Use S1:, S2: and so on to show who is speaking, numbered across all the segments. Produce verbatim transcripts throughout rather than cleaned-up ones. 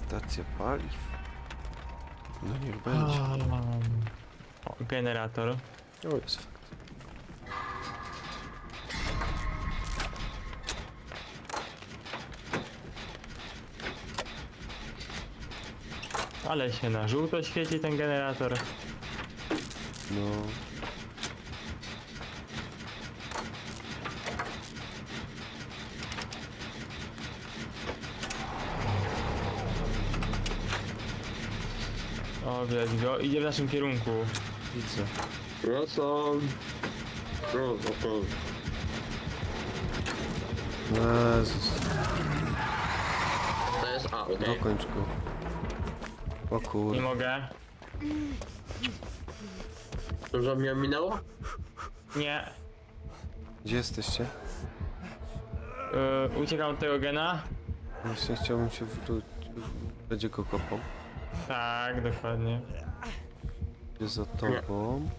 S1: Stacja paliw. No niech będzie.
S2: O, generator.
S1: O, jest fakt.
S2: Ale się na żółto świeci ten generator.
S1: No.
S2: O, widać go. Idzie w naszym kierunku.
S1: Widzę.
S3: Wracam. No, okej.
S1: Jezus.
S3: To jest A, okej.
S1: Dokończ go. O
S2: Nie
S1: kur...
S2: mogę.
S3: Dużo mnie minęło?
S2: Nie.
S1: Gdzie jesteście?
S2: Yy, uciekam od tego gena.
S1: Właśnie chciałbym się wrócić. Będzie go kopał.
S2: Tak, dokładnie.
S1: Jest za tobą.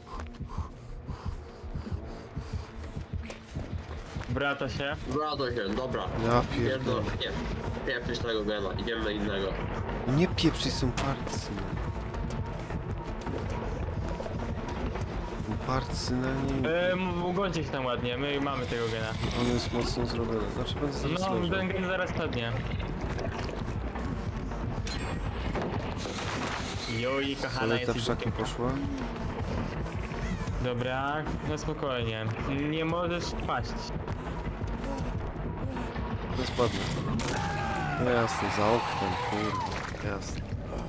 S2: Wraca się.
S3: Wracam się, dobra.
S1: Ja
S3: Pierdol,
S1: pierdolę.
S3: nie. Pieprzyć tego gena, idziemy na innego.
S1: Nie pieprzyj, są parcy. Parcy na nim.
S2: Yy, ugońcie się tam ładnie, my mamy tego gena.
S1: On jest mocno zrobiony. Znaczy będę zaraz
S2: No,
S1: leżał.
S2: ten gen zaraz padnie. Joj, kochana,
S1: Ale ta
S2: jest
S1: w szaki poszła.
S2: Dobra, no spokojnie. Nie możesz paść.
S1: To spadnę. No jasne, za oknem, kurde. Jasne.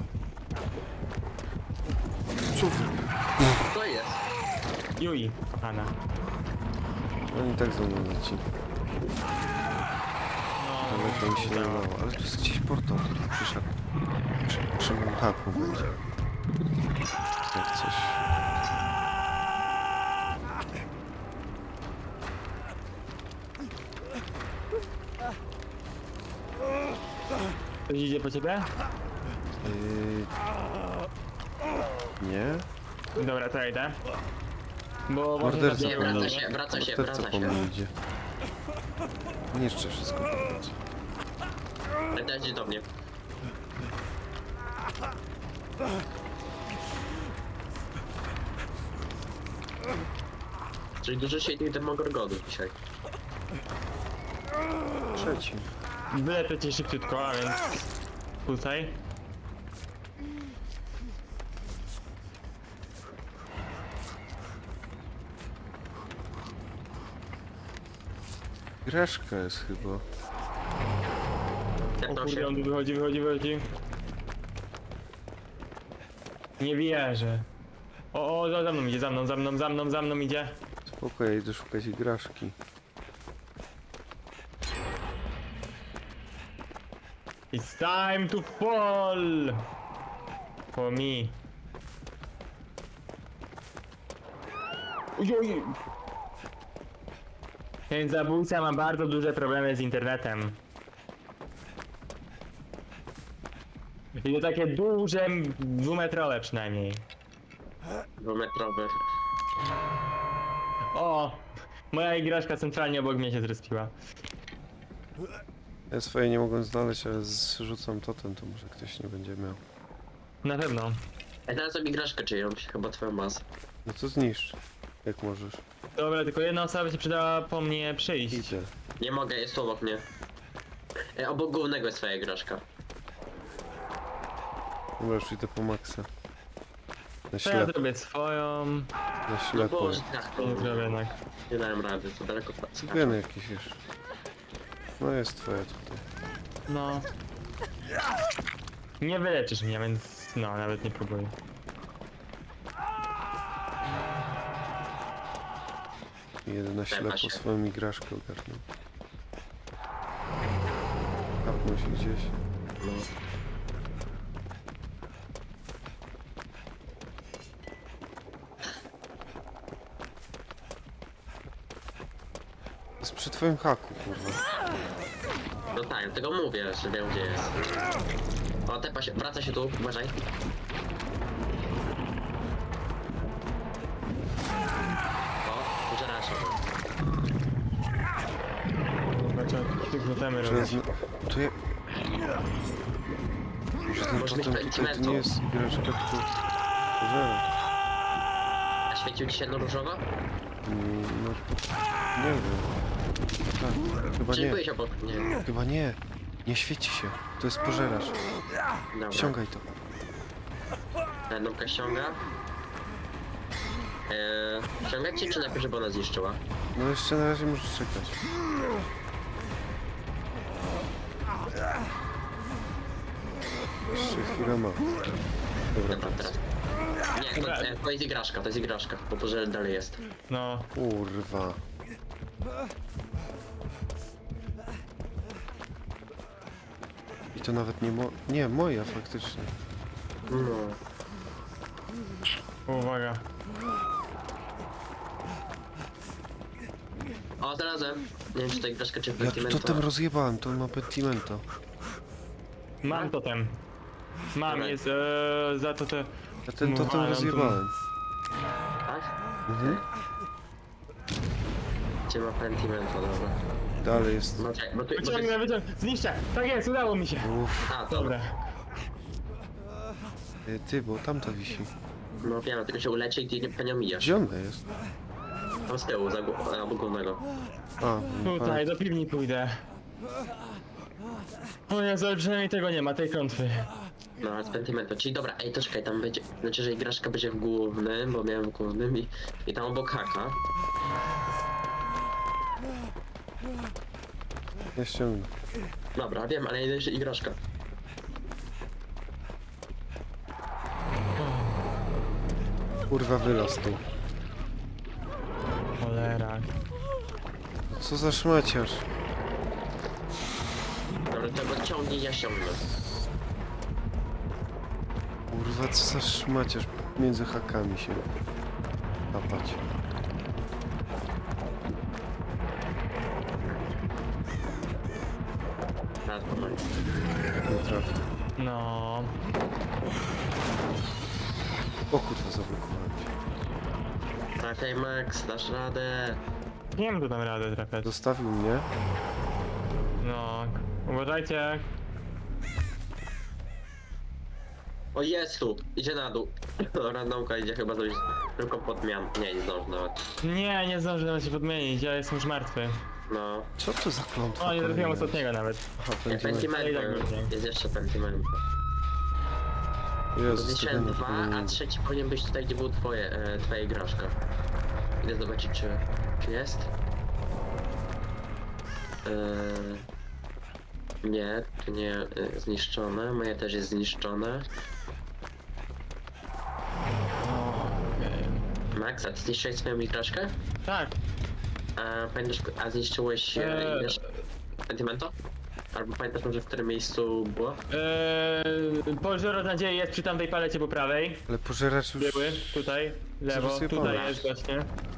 S1: Czuf.
S3: To jest.
S2: Jui, kochana.
S1: Oni tak za mną leci.
S2: No,
S1: Daleko mi się nie udało. Ale tu jest gdzieś portal, który przyszedł. Przy, przy moim haku będzie. Jak coś.
S2: Ktoś idzie po ciebie?
S1: Yy... Nie?
S2: Dobra, to ja idę. Bo może
S1: Morderca
S3: Nie,
S1: po
S3: wraca
S1: mnie.
S3: się, wraca się,
S1: Morderca
S3: wraca
S1: po
S3: się.
S1: mnie idzie. Niszczę wszystko po drodze.
S3: Dajcie do mnie. Czyli dużo się tych demogorgonów dzisiaj.
S1: Trzeci.
S2: wylepię cię szybciutko, a więc... Tutaj.
S1: Greszka jest chyba.
S2: O
S3: Tepnął
S2: kurde,
S3: się.
S2: on tu wychodzi, wychodzi, wychodzi. Nie wierzę. O, o, za za mną idzie, za mną, za mną, za mną, za mną idzie.
S1: Spoko, ja idę szukać igraszki.
S2: It's time to fall! For me. Ojoj! Ten zabójca ma bardzo duże problemy z internetem. I to takie duże, dwumetrowe przynajmniej.
S3: Dwumetrowy.
S2: O! Moja igraszka centralnie obok mnie się zrespiła.
S1: Ja swoje nie mogłem znaleźć, ale zrzucam totem, to może ktoś nie będzie miał.
S2: Na pewno.
S3: Ja teraz sobie igraszkę czyjąś, chyba twoją masę.
S1: No to zniszcz, jak możesz.
S2: Dobra, tylko jedna osoba by się przydała po mnie przyjść.
S1: Idzie.
S3: Nie mogę, jest tu obok mnie. E, obok głównego jest twoja igraszka.
S1: Dobra, już idę po maksa. Na
S2: To ja
S1: ślepo,
S2: zrobię swoją.
S1: na
S3: No
S1: ślepo.
S3: boże, tak,
S2: To nie zrobię jednak.
S3: nie dałem rady, to daleko pracy.
S1: Geny jakieś jeszcze. No jest twoja tutaj.
S2: No. Nie wyleczysz mnie, więc no, nawet nie próbuję.
S1: Jeden na
S3: Tepa
S1: ślepo
S3: się.
S1: swoją igraszkę ogarnął. Kapnął się gdzieś.
S3: No.
S1: Jest przy twoim haku, kurwa.
S3: No tak, dlatego mówię, że wiem gdzie jest. O, tepa się, wraca się tu, uważaj. O, pożera się.
S2: Znaczy, tylko temy
S1: Czy
S2: robić.
S1: jest... Tu je... Muszę Że ten
S3: Może być
S1: totem tutaj to
S3: Pentimento.
S1: nie jest igraszka, tylko pożeracz.
S3: A świecił ci się no różowo?
S1: Mm, no, nie wiem. Tak, chyba
S3: Czy
S1: nie.
S3: byłeś obok? Nie.
S1: Chyba nie. Nie świeci się. To jest pożeracz.
S3: Dobra.
S1: Ściągaj to.
S3: Randомka ściąga. Eee, ściągać ci, czy najpierw, żeby ona zniszczyła?
S1: No jeszcze na razie możesz czekać. Jeszcze chwilę ma. Dobra,
S3: Dobra, teraz. Nie, to, e, to jest igraszka, to jest igraszka, bo pożer dalej jest.
S2: No.
S1: kurwa. I to nawet nie mo... Nie, moja faktycznie.
S3: No.
S2: Uwaga.
S3: O, znalazłem. Nie wiem, czy to igraszka, czy
S1: Ja tu
S3: Pentimento.
S1: totem rozjebałem, to ma pentimento.
S2: Mam totem. Mam,
S3: Dobra.
S2: jest e, za to te...
S1: Ja ten
S2: No,
S1: totem
S2: ale on tu-
S1: rozjebałem.
S3: Tak?
S1: Mhm.
S3: Gdzie ma Pentimento, dobra.
S1: Dalej jest.
S3: No czekaj, bo tu... Bo tu
S2: Wyciągnę,
S3: jest...
S2: wyciągnę, zniszczę! Tak jest, udało mi się!
S1: Uff,
S3: A, dobra.
S2: Dobra.
S1: e, ty, bo tamta wisi.
S3: No wiem, tylko się uleci i ty nie panią mijasz.
S1: Gdzie ona jest?
S3: Tam z tyłu, za gó- obok głównego.
S1: A,
S2: Tutaj, do piwni pójdę. O Jezu, ale przynajmniej tego nie ma, tej klątwy.
S3: No, ale z Pentimento, czyli dobra, ej, to czekaj, tam będzie... Znaczy, że igraszka będzie w głównym, bo miałem w głównym i... I tam obok haka.
S1: nie ściągnę.
S3: Dobra, wiem, ale jeszcze igraszka.
S1: Kurwa, wylaz tu.
S2: Cholera.
S1: Co za szmaciarz?
S3: Dobra, to go ciągnij, ja ściągnę.
S1: Kurwa, co za szmaciarz między hakami się łapać.
S3: Teraz pomogę.
S1: Nie trafię.
S2: No.
S1: O kurwa, zablokowałem się.
S3: Trafiaj, Max, dasz radę.
S2: Nie wiem, kto tam radę trafiać.
S1: Zostawił mnie.
S2: No. Uważajcie.
S3: O, jest tu! Idzie na dół. Randomka idzie chyba zrobić tylko podmian. Nie, nie zdąży nawet.
S2: Nie, nie zdążę nawet się podmienić, ja jestem już martwy.
S3: No.
S1: Co to za klątwa?
S2: O, nie trafiłem
S1: kolejna
S2: ostatniego nawet.
S1: jest? Aha,
S3: Nie,
S1: pentimento.
S3: Pentimento.
S2: tak będzie.
S3: Jest jeszcze Pentimento.
S1: Jezus,
S3: Zniszczyłem
S1: to
S3: dwa,
S1: powinien
S3: a
S1: być.
S3: trzeci powinien być tutaj, gdzie był twoje, e, twoja igraszka. Idę zobaczyć, czy, czy jest. E, nie, tu nie e, zniszczone. Moje też jest zniszczone.
S2: Okej.
S3: Max, a ty zniszczyłeś swoją igraszkę?
S2: Tak.
S3: A pamiętasz, a zniszczyłeś e,
S2: Eee.
S3: igraszkę Pentimento? Albo pamiętasz może, w którym miejscu było?
S2: Eee, Pożero nadziei jest przy tamtej palecie po prawej.
S1: Ale pożeracz już...
S2: Były, tutaj, lewo,
S1: Zrezygnował.
S2: tutaj jest właśnie.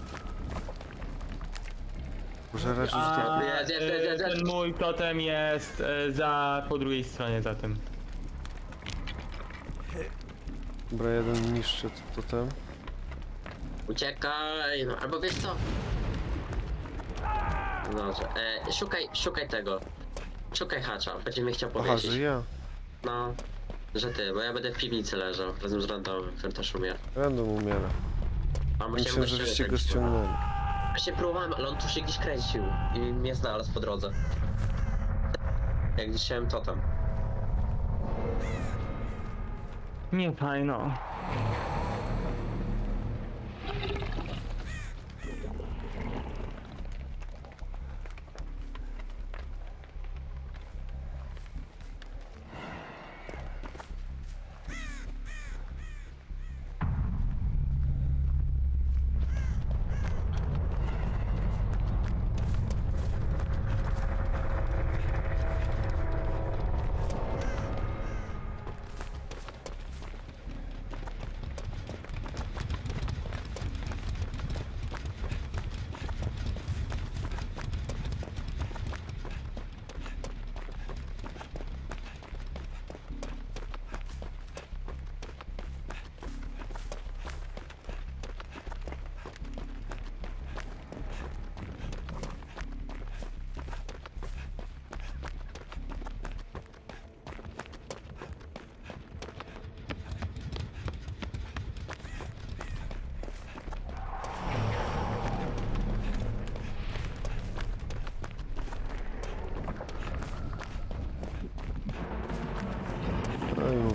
S1: Pożeracz już
S2: A
S1: tak...
S3: Jest, jest, jest, jest,
S2: e,
S3: jest.
S2: ten mój totem jest e, za, po drugiej stronie za tym.
S1: Dobra, jeden niszczy to totem.
S3: Uciekaj, no albo wiesz co? Dobrze, e, szukaj, szukaj tego. Szukaj hacza, będzie mi chciał
S1: Aha,
S3: powiedzieć.
S1: że ja.
S3: No, że ty, bo ja będę w piwnicy leżał, razem z randomem, który też umiera.
S1: Random umiera.
S3: A bo chciałem
S1: Myślę,
S3: go
S1: że żeście
S3: ściągnąć.
S1: go ściągnęli.
S3: Właśnie próbowałem, ale on tu się gdzieś kręcił i mnie znalazł po drodze. Jak gdzieś chciałem totem.
S2: Nie fajno.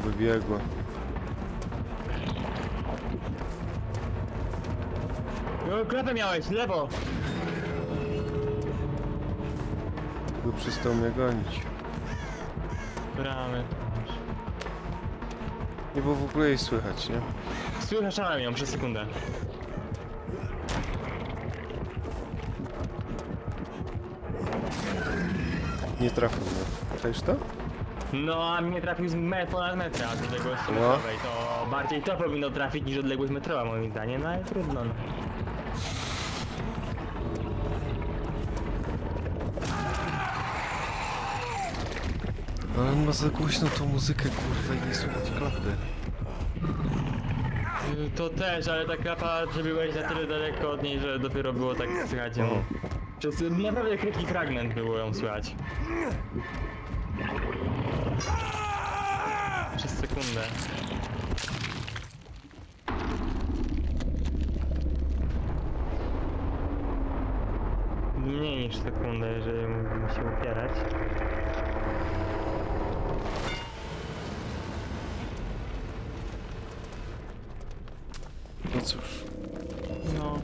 S1: wybiegła.
S2: No, klapę miałeś, lewo!
S1: Tylko przestał mnie gonić.
S2: Bramy.
S1: Nie było w ogóle jej słychać, nie?
S2: Słyszałem ją przez sekundę.
S1: Nie trafił mnie. Czaisz to?
S2: No, a mnie trafił z me ponad metra z odległości
S1: No.
S2: metrowej. To bardziej to powinno trafić niż odległość metrowa moim zdaniem, no ale trudno. No.
S1: Ale on ma za głośno tą muzykę, kurwa, i nie słychać klapy.
S2: Y, To też, ale ta klapa, że byłeś na tyle daleko od niej, że dopiero było tak słychać ją.
S1: O.
S2: Przez naprawdę krótki fragment było ją słychać. Przez sekundę. Mniej niż sekundę, jeżeli mógłbym się upierać.
S1: No cóż.
S2: No.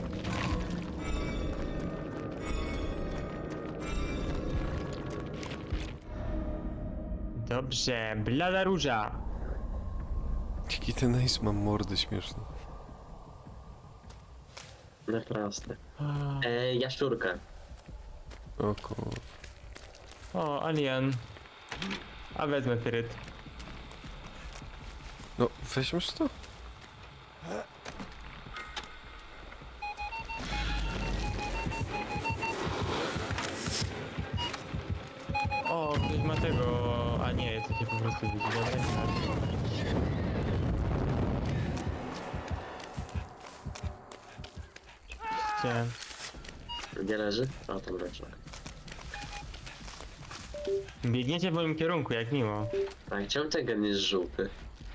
S2: Dobrze, blada róża.
S1: Jaki ten Ace ma mordę śmieszną.
S3: No proste. E, jaszczurka.
S1: O kurwa.
S2: O, alien. A wezmę pyryt.
S1: No, weźmiesz to?
S2: O, ktoś ma tego... A nie, to się po prostu widzi. Dobra, Oczywiście.
S3: Gdzie leży? O, tam leży.
S2: Biegniecie w moim kierunku, jak miło.
S3: Tak, czemu ten gen jest żółty?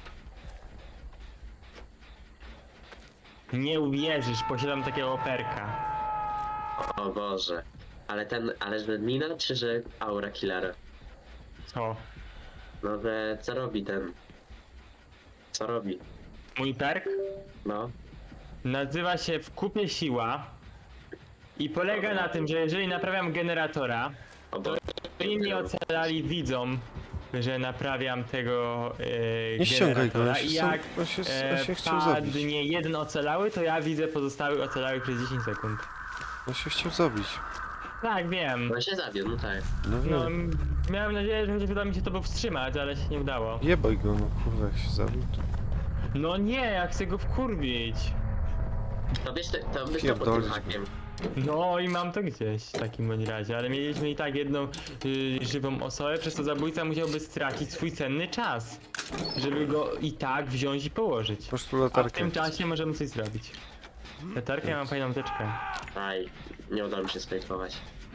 S2: Nie uwierzysz, posiadam takiego perka.
S3: O Boże. Ale ten, ale że mina, czy że aura killera?
S2: Co?
S3: No, że co robi ten? Co robi?
S2: Mój perk
S3: No.
S2: nazywa się w kupie siła i polega na tym, że jeżeli naprawiam generatora,
S3: O Boże.
S2: to inni ocalali widzą, że naprawiam tego e,
S1: Nie ściągaj go,
S2: generatora
S1: on się
S2: i
S1: sam-
S2: jak
S1: on się,
S2: e,
S1: on się chciał zabić.
S2: padnie jeden ocalały, to ja widzę pozostałych ocalałych przez dziesięć sekund.
S1: On się chciał zabić.
S2: Tak, wiem.
S3: On się zabił, no tak.
S1: No wiem.
S2: No, m- miałem nadzieję, że chociaż uda mi się to powstrzymać, ale się nie udało.
S1: Jebaj go, no kurwa, jak się zabił, to...
S2: No nie, ja chcę go wkurwić.
S3: To wiesz, to, to wiesz to pod
S1: Pierdolić
S3: tym
S1: go.
S3: hakiem.
S2: No i mam to gdzieś w takim bądź razie, ale mieliśmy i tak jedną y, żywą osobę, przez to zabójca musiałby stracić swój cenny czas, żeby go i tak wziąć i położyć.
S1: Masz tu
S2: A w
S1: latarkę.
S2: tym czasie możemy coś zrobić. Latarkę, ja mam fajną teczkę.
S3: Aj, nie udało mi się spejtować.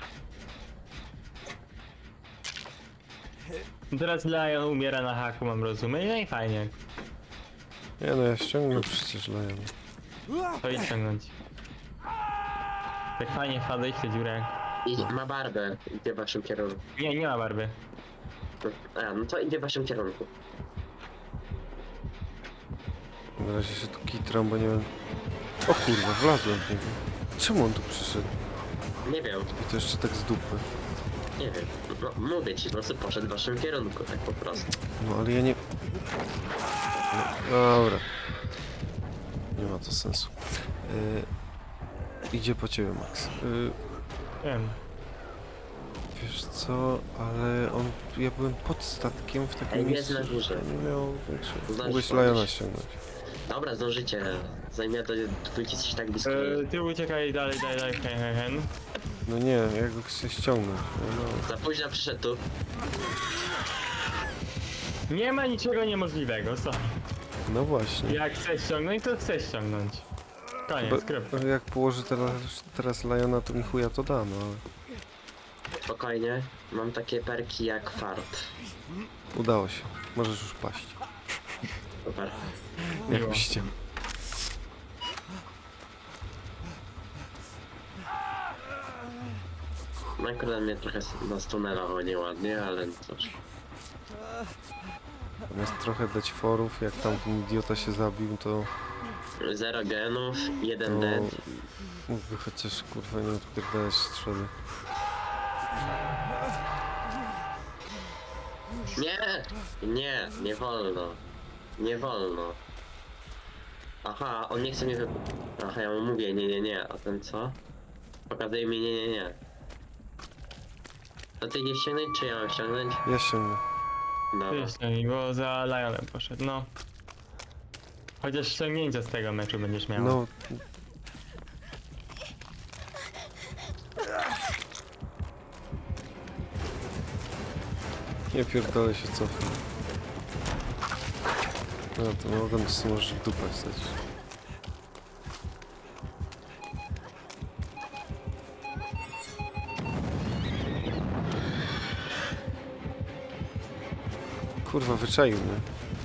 S2: Teraz Lion umiera na haku, mam rozumieć, no i fajnie.
S1: Nie no, ja ściągnę przecież Lion.
S2: To idź ciągnąć. Tak fajnie wpadłeś w tę dziurę.
S3: I ma barbę, idzie w waszym kierunku.
S2: Nie, nie ma barwy.
S3: A, no to idzie w waszym kierunku.
S1: Na razie się tu kitram, bo nie wiem... O kurwa, wlazłem w niego. Czemu on tu przyszedł?
S3: Nie wiem,
S1: I to jeszcze tak z dupy.
S3: nie wiem. No, mówię ci, po prostu poszedł w waszym kierunku, tak po prostu.
S1: No ale ja nie... No, dobra. Nie ma to sensu. Yy, idzie po ciebie, Max. Yy,
S2: Wiem.
S1: wiesz co, ale on... Ja byłem pod statkiem w takim
S3: Ej,
S1: miejscu,
S3: jest na górze.
S1: że nie miał większego...
S3: Zdążysz
S1: Mogłeś
S3: podnieść.
S1: Liona ściągnąć.
S3: Dobra, zdążycie. Zajmie to, dwójki jesteś tak blisko.
S2: E, ty uciekaj dalej, dalej, dalej, hen, hen, hen.
S1: No nie, jak go chcę ściągnąć. No,
S3: Za późno przyszedł tu.
S2: Nie ma niczego niemożliwego, co?
S1: no właśnie.
S2: Jak chcesz ściągnąć, to chcesz ściągnąć. Koniec,
S1: Bo,
S2: kropka.
S1: jak położy teraz, teraz Liona, to mi chuja to da, no ale...
S3: Spokojnie. Mam takie perki jak fart.
S1: Udało się. Możesz już paść.
S3: Super.
S1: Jak
S2: Miło.
S1: byście.
S3: No akurat mnie trochę nas tunelowało nieładnie, ale cóż.
S1: Zamiast trochę dać forów, jak tam ten idiota się zabił, to...
S3: Zero genów,
S1: to
S3: jeden dead.
S1: mógłby chociaż kurwa nie odpierdalać strzelby.
S3: Nie! Nie, nie wolno. Nie wolno. Aha, on nie chce mnie wy... Aha, ja mu mówię nie, nie, nie, a ten co? Pokazuje mi nie, nie, nie. To ty nie ściągnąć, czy ja mam ściągnąć?
S1: Ja sięgnę.
S3: Dobra.
S2: Wyślij, bo za Lionem poszedł, no. Chociaż ściągnięcia z tego meczu będziesz miał.
S1: No... Nie pierdolę się cofnę. No to mogę to możesz w dupę wstać. Kurwa, wyczaił mnie.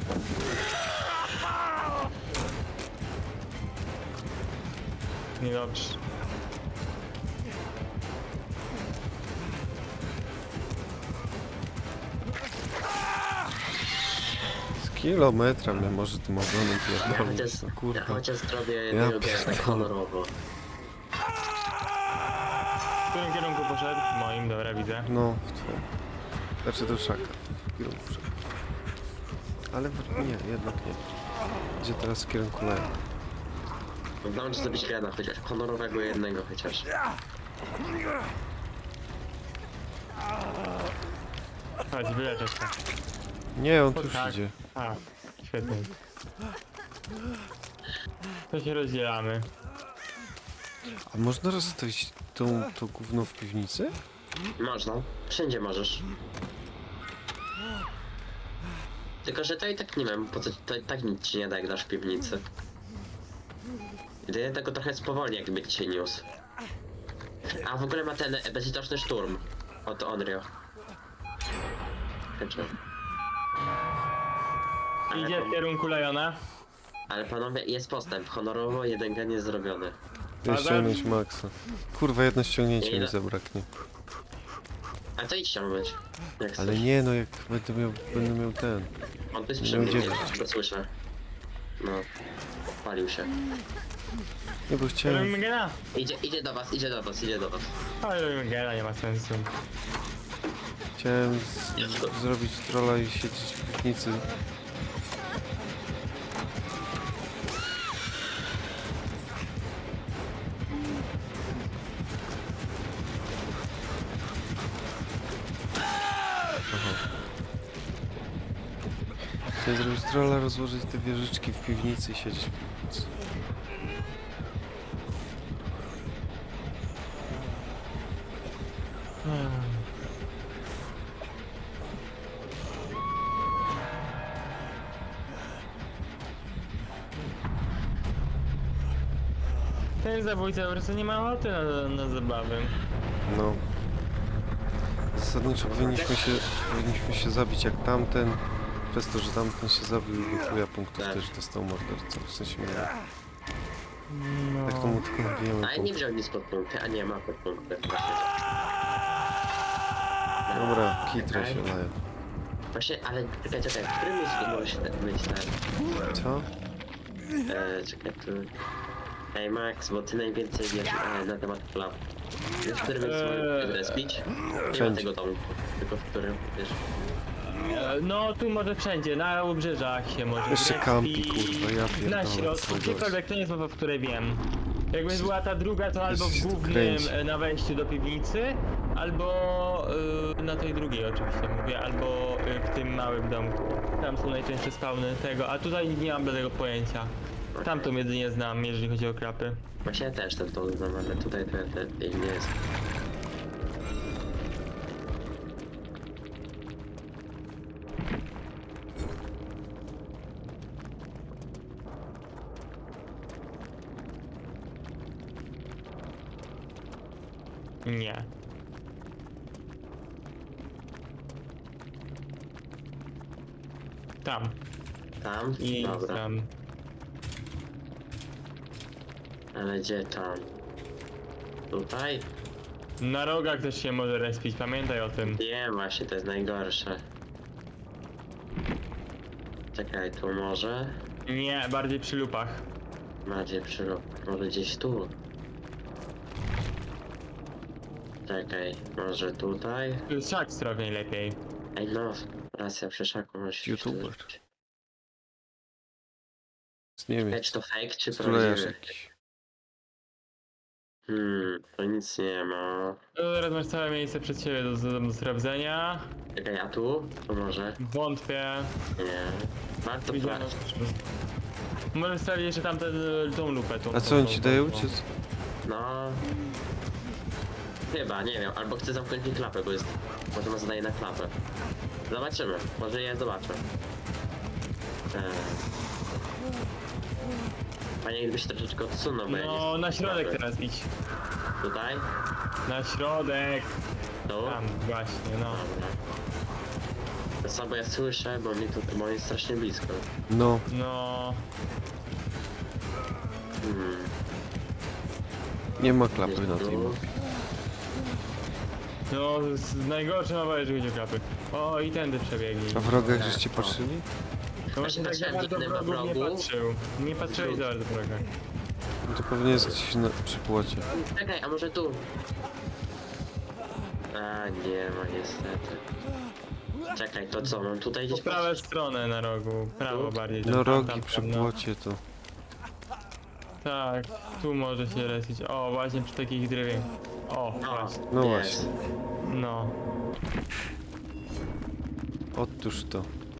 S2: Niedobrze.
S1: Z kilometra mnie może tym ogonem
S3: Ja
S1: pierdolić.
S3: chociaż,
S1: No
S3: ja
S1: kurwa.
S3: chociaż zrobię jednego gena tak
S1: pierdolę.
S3: honorowo.
S2: W którym kierunku poszedł? W moim, dobra, widzę.
S1: No, w twoim. Znaczy do szaka. W kierunku szaka. Ale w... nie, jednak nie. Gdzie teraz w kierunku lewa.
S3: Udało ci zrobić gena chociaż, honorowego jednego chociaż.
S2: Chodź, wyleczę się.
S1: Nie, on
S2: O,
S1: tu już
S2: tak.
S1: idzie.
S2: A, świetnie. To się rozdzielamy.
S1: A można rozstawić tą, to gówno w piwnicy?
S3: Można, wszędzie możesz. Tylko, że to i tak nie wiem, po co to i tak nic ci nie da, jak dasz w piwnicy. Jedynie tego trochę spowolni, jakby cię niósł. A w ogóle ma ten bezlitosny szturm od Onryo. Znaczy. Ale,
S2: Idzie w kierunku Liona.
S3: ale panowie, jest postęp. Honorowo jeden gen jest zrobiony.
S1: Ja
S2: Adam?
S1: ściągnąć maksa. Kurwa, jedno ściągnięcie
S3: Ile?
S1: mi zabraknie.
S3: A to idź ściągnąć. Jak
S1: Ale
S3: chcesz.
S1: nie, no jak będę miał, będę miał ten.
S3: On tu jest
S1: nie
S3: przy mnie,
S1: udzielę.
S3: nie, go słyszę. No. Palił się.
S1: Nie, bo chciałem...
S2: Robimy gena.
S3: Idzie, idzie do was, idzie do was, idzie do was.
S2: Ale robimy gena, nie ma sensu.
S1: Chciałem z, zrobić trolla i siedzieć w piwnicy. Aha. Chciałem zrobić trolla, rozłożyć te wieżyczki w piwnicy i siedzieć w piwnicy.
S2: Ten zabójca po prostu nie ma ochoty na, na zabawy.
S1: No. Zasadniczo powinniśmy się, powinniśmy się zabić jak tamten. Przez to, że tamten się zabił do chuja punktów
S3: Tak.
S1: też dostał mordercą. W sensie mnie.
S2: No.
S1: Tak to mu tylko nabijemy
S3: A nie
S1: punkt.
S3: wziął nic pod punkty, a nie ma pod punkty.
S1: Dobra, kitrę się laję.
S3: Właśnie, ale czekaj, czekaj, w którym jest może się być ten?
S1: Co?
S3: E, czekaj, tu... Ej Max, bo ty najwięcej wiesz e, na temat klap. Wiesz, w którym jest
S2: Eee.
S3: respić? Nie ma
S1: Wszędzie.
S3: tego domku, tylko w którym, wiesz...
S2: E, No tu może wszędzie, na obrzeżach się może
S1: Jeszcze
S2: zrespić,
S1: kampi, kurwa, ja pierdolę,
S2: na środku,
S1: co
S2: gdziekolwiek, to nie jest mowa, w której wiem. Jakby była ta druga, to albo w
S1: się tu
S2: głównym
S1: kręci.
S2: e, na wejściu do piwnicy, albo y, na tej drugiej oczywiście mówię, albo y, w tym małym domku. Tam są najczęstsze spawny tego, a tutaj nie mam żadnego pojęcia. Tamtą jedynie znam, jeżeli chodzi o krapy.
S3: Właśnie ja też ten to znam, ale tutaj ten, ten, ten nie jest.
S2: Nie. Tam.
S3: Tam?
S2: I
S3: Dobra.
S2: tam.
S3: Ale gdzie tam? Tutaj?
S2: Na rogach też się może respić, pamiętaj o tym.
S3: Nie, właśnie, to jest najgorsze. Czekaj, tu może?
S2: Nie, bardziej przy lupach.
S3: Bardziej przy lub- może gdzieś tu? Czekaj, może tutaj?
S2: Tu jest szak strowniej lepiej.
S3: Ej no, racja, przy szaku możesz się
S1: YouTuber.
S3: wtórzyć.
S1: Z Niemiec.
S3: Ej, czy to fake, czy
S1: Stulejarz
S3: prawdziwy?
S1: jakiś.
S3: Hmm, to nic nie ma.
S2: No, teraz masz całe miejsce przed siebie do, do, do sprawdzenia.
S3: Czekaj, a tu? To może?
S2: Wątpię.
S3: Nie. Warto
S2: Widziano.
S3: sprawdzić.
S2: Możesz sprawdzić jeszcze tamtę tą lupę. Tą,
S1: A
S2: tą,
S1: co on
S2: tą,
S1: ci
S2: tą,
S1: daje
S2: tą.
S1: uciec?
S3: No... Chyba, nie wiem, albo chcę zamknąć mi klapę, bo jest... Może ma zadaje na klapę. Zobaczymy, może ja zobaczę. Eee... Panie, gdybyś troszeczkę odsunął, bo ja
S2: No,
S3: nie...
S2: na środek
S3: klapy.
S2: teraz idź.
S3: Tutaj?
S2: Na środek.
S3: Tu?
S2: Tam, właśnie, no.
S3: Dobra. To samo ja słyszę, bo mi tu, bo on jest strasznie blisko.
S1: No,
S2: No.
S3: Hmm.
S1: nie ma klapy
S3: Gdzieś
S1: na
S3: tu.
S1: tej mapie.
S2: No, z- najgorsze ma że będzie klapy. O, i tędy przebiegnij.
S1: A w rogach
S3: Tak,
S1: żeście
S3: o.
S1: patrzyli?
S2: To właśnie tak za
S3: patrzyłem,
S2: bardzo
S3: nikt nie ma
S2: wrogów nie
S3: wrogu.
S2: patrzył. Nie patrzyłeś za bardzo wroga.
S1: No to pewnie jest gdzieś na, przy płocie.
S3: Czekaj, a może tu? A, nie ma niestety. Czekaj, to co, mam tutaj
S2: Po
S3: gdzieś
S2: prawą
S3: patrzeć?
S2: stronę na rogu, prawo bardziej. tam,
S1: No
S2: tam,
S1: rogi
S2: tam,
S1: przy
S2: tam, no.
S1: płocie to...
S2: Tak, tu może się lecieć. O, właśnie przy takich drewiach. O,
S3: O,
S2: właśnie.
S1: No
S3: jest.
S1: właśnie.
S2: No.
S1: Otóż to.